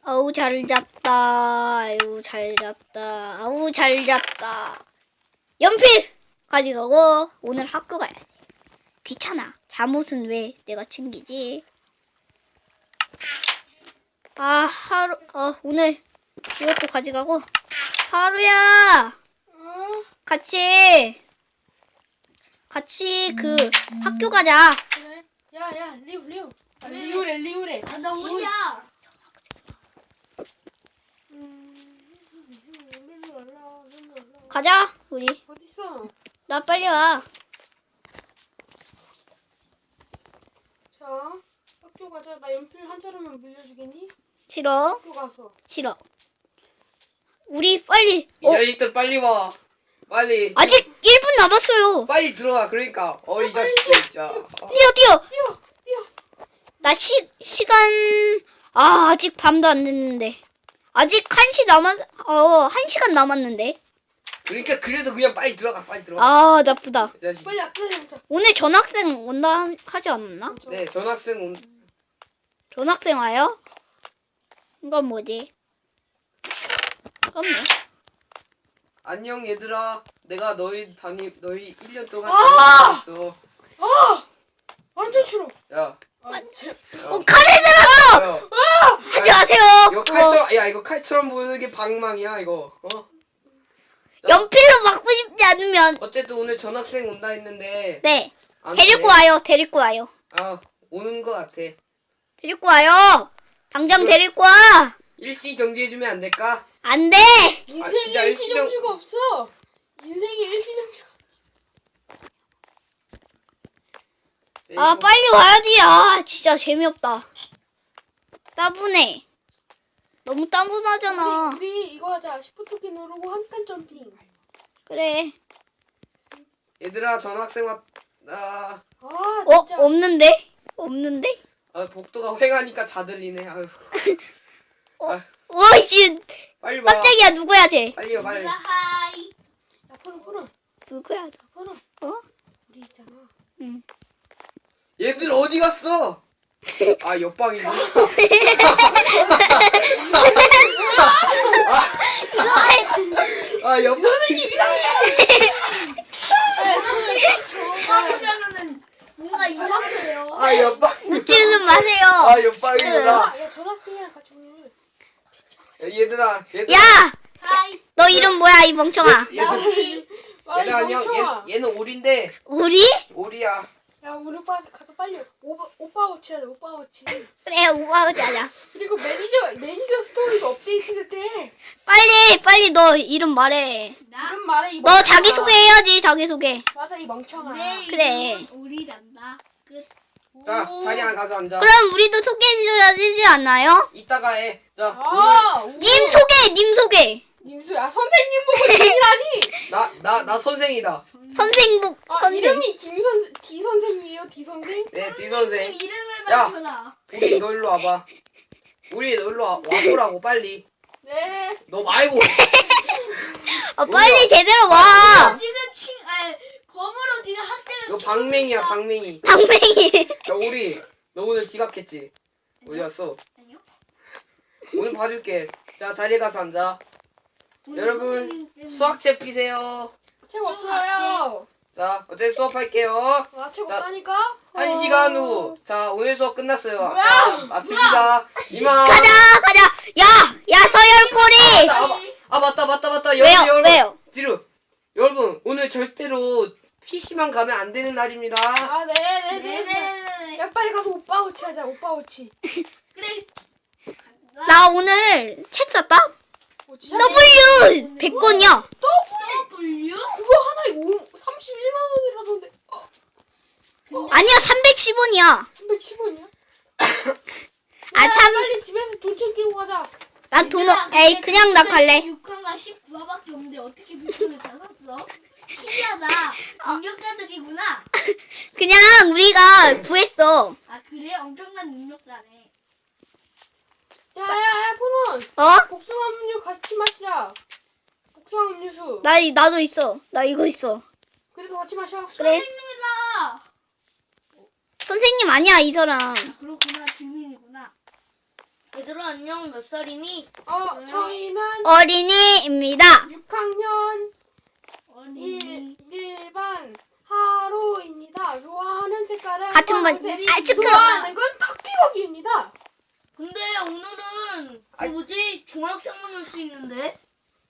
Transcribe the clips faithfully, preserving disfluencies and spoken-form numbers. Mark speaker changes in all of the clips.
Speaker 1: 아우 잘 잤다. 아유 잘 잤다. 아우 잘 잤다. 연필 가져가고 오늘 학교 가야지. 귀찮아. 잠옷은 왜 내가 챙기지? 아 하루 어 오늘 이것도 가져가고 하루야
Speaker 2: 어?
Speaker 1: 같이 같이 그 학교 가자.
Speaker 2: 그래? 야야 리우 리우 아, 리우래 리우래
Speaker 3: 아, 나 어디야?
Speaker 1: 가자 우리.
Speaker 2: 어딨어?
Speaker 1: 나 빨리 와.
Speaker 2: 자 학교 가자. 나 연필 한 자루만 물려주겠니?
Speaker 1: 싫어
Speaker 2: 학교 가서
Speaker 1: 싫어. 우리 빨리.
Speaker 4: 이
Speaker 1: 어
Speaker 4: 자식들 빨리 와. 빨리.
Speaker 1: 아직 일 분 남았어요.
Speaker 4: 빨리 들어와. 그러니까. 어 이 자식들 진짜. 어.
Speaker 1: 뛰어 뛰어.
Speaker 2: 뛰어 뛰어
Speaker 1: 나 시, 시간, 아, 아직 밤도 안 됐는데. 아직 한 시 남았, 어, 한 시간 남았는데.
Speaker 4: 그러니까 그래도 그냥 빨리 들어가. 빨리 들어가.
Speaker 1: 아, 나쁘다.
Speaker 4: 이 자식.
Speaker 2: 빨리 앞에 앉아.
Speaker 1: 오늘 전학생 온다 하- 하지 않았나?
Speaker 4: 네 전학생 온.
Speaker 1: 전학생 와요? 이건 뭐지? 없네.
Speaker 4: 안녕 얘들아. 내가 너희 담임 너희 일 년 동안
Speaker 2: 아!
Speaker 4: 담임했어.
Speaker 2: 아 완전 싫어.
Speaker 4: 야.
Speaker 2: 아, 제,
Speaker 1: 어, 칼을 들었어!
Speaker 4: 야.
Speaker 1: 안녕하세요.
Speaker 4: 이거
Speaker 1: 어,
Speaker 4: 칼처럼 야 이거 칼처럼 보이는 게 방망이야 이거. 어?
Speaker 1: 연필로 막고 싶지 않으면,
Speaker 4: 어쨌든 오늘 전학생 온다 했는데.
Speaker 1: 네.
Speaker 4: 안
Speaker 1: 데리고
Speaker 4: 돼.
Speaker 1: 와요, 데리고 와요.
Speaker 4: 아 오는 거 같아.
Speaker 1: 데리고 와요. 당장
Speaker 4: 지금-
Speaker 1: 데리고 와. 일시
Speaker 4: 일시 정지해주면 안 될까?
Speaker 1: 안 돼.
Speaker 2: 인생에
Speaker 4: 진짜
Speaker 2: 일시정지가 없어. 인생에 일시정지가.
Speaker 1: 아, 빨리 와야지. 아, 진짜 재미없다. 따분해. 너무 따분하잖아.
Speaker 2: 우리, 우리 이거 하자. 시프트키 누르고 한 칸 점핑.
Speaker 1: 그래.
Speaker 4: 얘들아 전학생 왔다.
Speaker 2: 아
Speaker 1: 어,
Speaker 2: 진짜.
Speaker 1: 없는데? 없는데?
Speaker 4: 아 복도가 휑하니까 다 들리네. 아유. 아,
Speaker 1: 와, 이씨.
Speaker 4: 빨리 와.
Speaker 1: 깜짝이야, 누구야, 쟤?
Speaker 4: 빨리 와 빨리.
Speaker 3: 얘들아, 하이.
Speaker 2: 야 푸른 푸른
Speaker 1: 누구야, 저?
Speaker 2: 푸른.
Speaker 1: 어?
Speaker 2: 우리 있잖아.
Speaker 1: 응.
Speaker 4: 얘들 어디 갔어? 아 옆방이구나. 아 옆방.
Speaker 3: 저가 보자면은 뭔가 이상해요.
Speaker 4: 아 옆방.
Speaker 1: 웃지 좀 마세요.
Speaker 4: 아 옆방이구나.
Speaker 2: 야 전학생이랑 같이 오늘.
Speaker 4: 야, 얘들아 얘들.
Speaker 1: 야!
Speaker 3: 하이.
Speaker 1: 너 이름 뭐야, 이 멍청아?
Speaker 4: 얘들.
Speaker 2: 아,
Speaker 4: 얘들 안녕.
Speaker 2: 멍청아.
Speaker 4: 얘, 얘는 오리인데
Speaker 1: 우리?
Speaker 4: 오리야.
Speaker 2: 야 우리 오빠 가서 빨리 오빠 오빠 워치 하자. 오빠 워치.
Speaker 1: 그래, 오빠 자자.
Speaker 2: 그리고 매니저 매니저 스토리도 업데이트됐대.
Speaker 1: 빨리, 빨리 너 이름 말해.
Speaker 3: 나?
Speaker 2: 이런 말에 이
Speaker 1: 너
Speaker 2: 멍청아.
Speaker 1: 자기소개해야지, 자기소개.
Speaker 2: 맞아 이 멍청아.
Speaker 3: 내
Speaker 1: 그래.
Speaker 3: 이름은 오리란다. 끝.
Speaker 4: 자
Speaker 2: 오.
Speaker 4: 자리 안 가서 앉아.
Speaker 1: 그럼 우리도 소개해줘야 되지 않나요?
Speaker 4: 이따가 해. 자
Speaker 2: 아, 오.
Speaker 1: 님 소개, 님 소개.
Speaker 2: 님수 야 선생님 보고 님이라니.
Speaker 4: 나 나 나 선생이다.
Speaker 1: 선생복,
Speaker 2: 아
Speaker 1: 선생.
Speaker 2: 이름이 김선 D 선생이에요. D 선생.
Speaker 4: 네 D 선생.
Speaker 3: 이름을
Speaker 4: 야.
Speaker 3: 맞춰라.
Speaker 4: 우리 너 일로 와봐. 우리 너 일로 와, 와보라고 빨리.
Speaker 2: 네.
Speaker 4: 너 말고.
Speaker 1: 어, 빨리
Speaker 4: 우리가-
Speaker 1: 제대로
Speaker 3: 나
Speaker 1: 와.
Speaker 3: 지금 친, 아, 검으로 지금 학생을.
Speaker 4: 이거
Speaker 3: 치고
Speaker 4: 방맹이야
Speaker 3: 있어.
Speaker 4: 방맹이.
Speaker 1: 방맹이.
Speaker 4: 야 우리 너 오늘 지각했지? 어디 갔어?
Speaker 3: 아니요.
Speaker 4: 오늘 봐줄게. 자 자리에 가서 앉아.
Speaker 3: 오늘
Speaker 4: 여러분
Speaker 3: 선생님 때문에.
Speaker 4: 수학책 피세요.
Speaker 2: 책
Speaker 3: 수학
Speaker 2: 없어요.
Speaker 4: 자 어제 수업할게요.
Speaker 2: 아, 책
Speaker 4: 자,
Speaker 2: 없다니까?
Speaker 4: 한 시간 후. 자 오늘 수업 끝났어요.
Speaker 2: 뭐야?
Speaker 4: 자 마칩니다. 이만.
Speaker 1: 가자, 가자. 야, 야, 서열꼬리.
Speaker 4: 아, 아, 아 맞다 맞다 맞다.
Speaker 1: 왜요?
Speaker 4: 여러분 여러분.
Speaker 1: 왜요?
Speaker 4: 뒤로. 여러분 오늘 절대로 피시만 가면 안 되는 날입니다.
Speaker 2: 아, 네네네.
Speaker 3: 네네네.
Speaker 2: 야, 빨리 가서 오빠 워치 하자, 오빠 워치.
Speaker 3: 그래.
Speaker 1: 나 오늘 책 샀다?
Speaker 2: 워치 사-
Speaker 1: W 백 권이야.
Speaker 3: W?
Speaker 2: 그거 하나에 오, 삼십일만 원이라던데. 어,
Speaker 1: 아니야, 삼백십 원이야.
Speaker 2: 삼백십 원이야?
Speaker 1: 아, 삼,
Speaker 2: 빨리 집에서 돈 챙기고 가자.
Speaker 1: 난 돈, 없- 에이, 그냥 나 갈래.
Speaker 3: 십육 화가 십구 화밖에 없는데 어떻게 물건을 다 샀어? 신기하다. 능력자들이구나.
Speaker 1: 그냥 우리가 구했어.
Speaker 3: 아 그래? 엄청난 능력자네.
Speaker 2: 야, 야, 야, 폰원.
Speaker 1: 어?
Speaker 2: 복숭아 음료 같이 마시자. 복숭아 음료수.
Speaker 1: 나, 이- 나도 있어. 나 이거 있어.
Speaker 2: 그래도 같이 마셔.
Speaker 1: 그래.
Speaker 3: 선생님이다.
Speaker 1: 선생님 아니야, 이 사람.
Speaker 3: 아, 그렇구나. 주민이구나. 얘들아 안녕. 몇 살이니?
Speaker 2: 어, 저희는
Speaker 1: 어린이입니다.
Speaker 2: 육 학년
Speaker 3: 어린이.
Speaker 2: 일 반 하로입니다. 좋아하는 색깔은
Speaker 1: 같은 반.
Speaker 2: 파란색,
Speaker 1: 아, 시끄러워.
Speaker 2: 좋아하는 건 토끼먹이입니다.
Speaker 3: 근데 오늘은 그 뭐지 중학생만 올 수 있는데.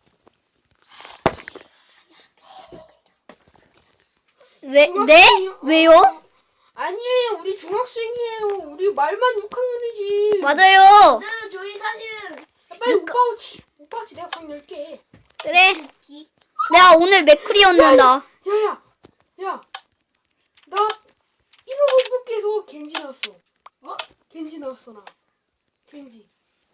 Speaker 1: 왜, 네? 왜요?
Speaker 2: 아니에요. 우리 중학생이에요. 우리 말만 육 학년이지.
Speaker 1: 맞아요.
Speaker 3: 저는 저희 사실은
Speaker 2: 빨리 오빠 오지. 오빠 오지. 내가 방 열게.
Speaker 1: 그래. 내가 오늘 맥쿨이 얻는다.
Speaker 2: 야야. 야. 나 일 호 뽑기에서 겐지 나왔어. 어? 겐지 나왔어 나. 겐지.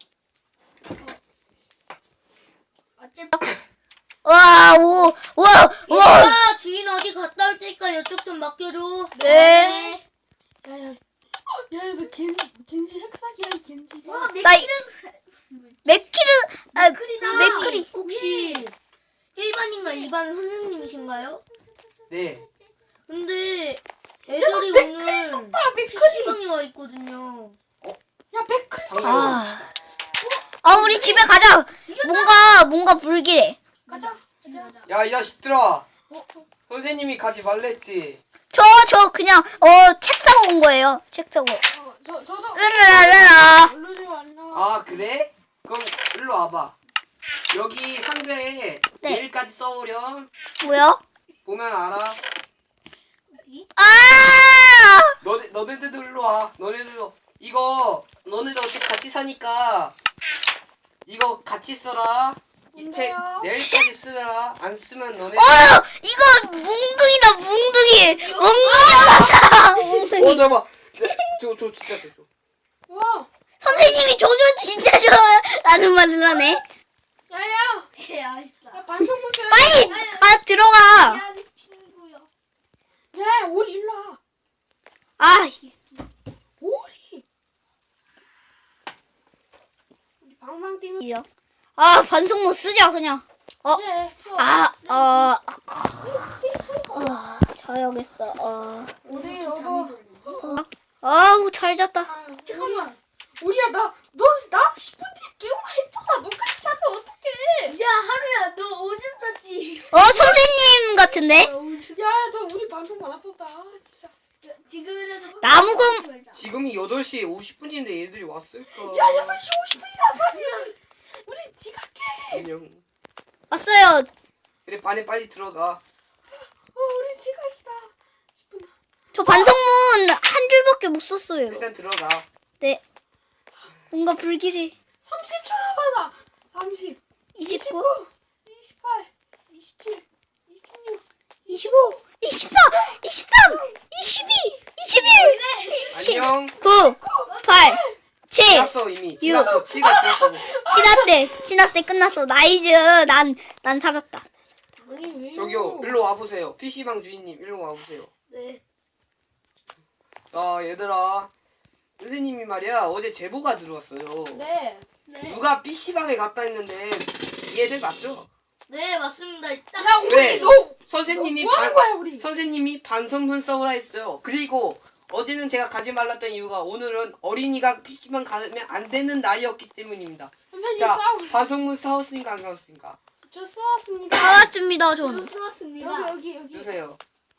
Speaker 3: 어차피
Speaker 1: 와, 오, 와, 와.
Speaker 3: 얘들아 주인 어디 갔다 올 테니까 이쪽 좀 맡겨줘.
Speaker 1: 네.
Speaker 2: 야야. 어, 야야 너 겐지 겐지 핵사기야 이 겐지.
Speaker 3: 와
Speaker 1: 나 이-
Speaker 3: 맥키는
Speaker 1: 맥키르, 아,
Speaker 3: 맥크리다.
Speaker 1: 맥쿨이.
Speaker 3: 혹시 일 반인가 이 반 선생님이신가요?
Speaker 4: 네.
Speaker 3: 근데 애들이 오늘 피시방에 와 있거든요.
Speaker 2: 야 맥클.
Speaker 4: 당신.
Speaker 1: 아. 아, 우리 집에 가자. 뭔가, 뭔가 불길해.
Speaker 2: 가자.
Speaker 4: 야, 이 자식들아. 선생님이 가지 말랬지.
Speaker 1: 저, 저 그냥, 어, 책 사고 온 거예요. 책 사고.
Speaker 2: 어, 저 저도.
Speaker 1: 라라라라.
Speaker 2: 얼른 와.
Speaker 4: 아, 그래? 그럼 일로 와봐. 여기 상자에
Speaker 1: 네.
Speaker 4: 내일까지 써오렴.
Speaker 1: 뭐야?
Speaker 4: 보면 알아.
Speaker 3: 어디?
Speaker 1: 아!
Speaker 4: 너네, 너네들도 일로 와. 너네들도. 이거, 너네들 어차피 같이 사니까, 이거 같이 써라. 이 책
Speaker 2: 뭔데요?
Speaker 4: 내일까지 쓰라. 안 쓰면 너네.
Speaker 1: 어! 이거 뭉둥이다, 뭉둥이! 뭉둥이다! 뭉둥이.
Speaker 4: 어, 잠깐만. 네, 저, 저 진짜 줘.
Speaker 2: 와.
Speaker 1: 선생님이 조조 진짜 좋아요. 라는 말을 하네.
Speaker 2: 야야.
Speaker 3: 예 아쉽다.
Speaker 2: 야 반성문 써야
Speaker 1: 빨리 가, 들어가.
Speaker 3: 미안해 친구야.
Speaker 2: 야 오리 일로 와.
Speaker 1: 아,
Speaker 2: 오리. 우리 방방 뛰면.
Speaker 1: 이요. 아, 반성문 쓰자, 그냥. 어,
Speaker 2: 네, 써.
Speaker 1: 아, 어, 어, 자야겠어. 어,
Speaker 2: 오리 너도.
Speaker 1: 아우, 잘 잤다.
Speaker 3: 잠깐만.
Speaker 2: 우리야 나너나 십 분 뒤에 깨우라 했잖아. 너같이 자면 어떡해?
Speaker 3: 야 하루야 너 오줌 쌌지?
Speaker 1: 어, 선생님 같은데?
Speaker 2: 야야 너 우리 방송 받았었다. 아, 진짜.
Speaker 3: 지금이라도
Speaker 1: 나무금-
Speaker 4: 지금이 여덟 시 오십 분인데 얘들이 왔을까?
Speaker 2: 야 여덟 시 오십 분이란 말이야. 우리 지각해.
Speaker 4: 안녕.
Speaker 1: 왔어요.
Speaker 4: 그래, 반에 빨리 들어가.
Speaker 2: 어 우리 지각이다. 십 분.
Speaker 1: 저 반성문 한 줄밖에 못 썼어요.
Speaker 4: 일단 들어가.
Speaker 1: 네. 뭔가 불길해.
Speaker 2: 삼십 초 남았다. 삼십.
Speaker 1: 이십구,
Speaker 2: 이십팔. 이십칠. 이십육.
Speaker 1: 이십오, 이십사, 이십삼, 이십이, 이십일, 이십,
Speaker 4: 안녕.
Speaker 1: 구, 팔, 칠.
Speaker 4: 지났어 이미. 지났어. 치가 지났다고.
Speaker 1: 지났대. 지났대. 끝났어. 나이즈. 난, 난 살았다.
Speaker 2: 아니 왜요?
Speaker 4: 저기요, 일로 와보세요. 피시방 주인님, 일로 와보세요.
Speaker 3: 네.
Speaker 4: 아, 얘들아. 선생님이 말이야, 어제 제보가 들어왔어요.
Speaker 2: 네.
Speaker 3: 네.
Speaker 4: 누가 피시방에 갔다 했는데, 이 애들 맞죠?
Speaker 3: 네 맞습니다. 딱
Speaker 2: 야 우리
Speaker 4: 왜?
Speaker 2: 너
Speaker 4: 선생님이
Speaker 2: 뭐 하는
Speaker 4: 반,
Speaker 2: 거야 우리?
Speaker 4: 선생님이 반성문 써오라 했어요. 그리고 어제는 제가 가지 말랐던 이유가 오늘은 어린이가 피시방 가면 안 되는 날이었기 때문입니다.
Speaker 2: 선생님
Speaker 4: 자,
Speaker 2: 싸우.
Speaker 4: 반성문 싸웠으니까 안 싸웠으니까?
Speaker 2: 저 싸웠습니다.
Speaker 1: 살았습니다.
Speaker 3: 저도
Speaker 1: 저는.
Speaker 3: 쓰았습니다.
Speaker 2: 여기 여기 여기.
Speaker 4: 주세요.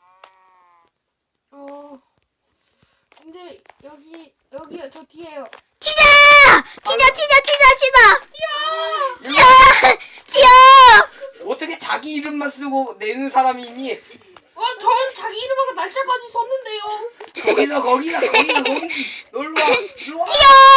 Speaker 2: 어. 근데 여기 여기 저 뒤에요.
Speaker 1: 치자! 치자, 치자, 치자, 치자!
Speaker 4: 일로
Speaker 1: 치자! 치자!
Speaker 4: 어떻게 자기 이름만 쓰고 내는 사람이 있니?
Speaker 2: 어, 전 자기 이름하고 날짜까지 썼는데요.
Speaker 4: 거기서 거기다 거기서 거기 놀러 와 놀러 와.
Speaker 1: 치자!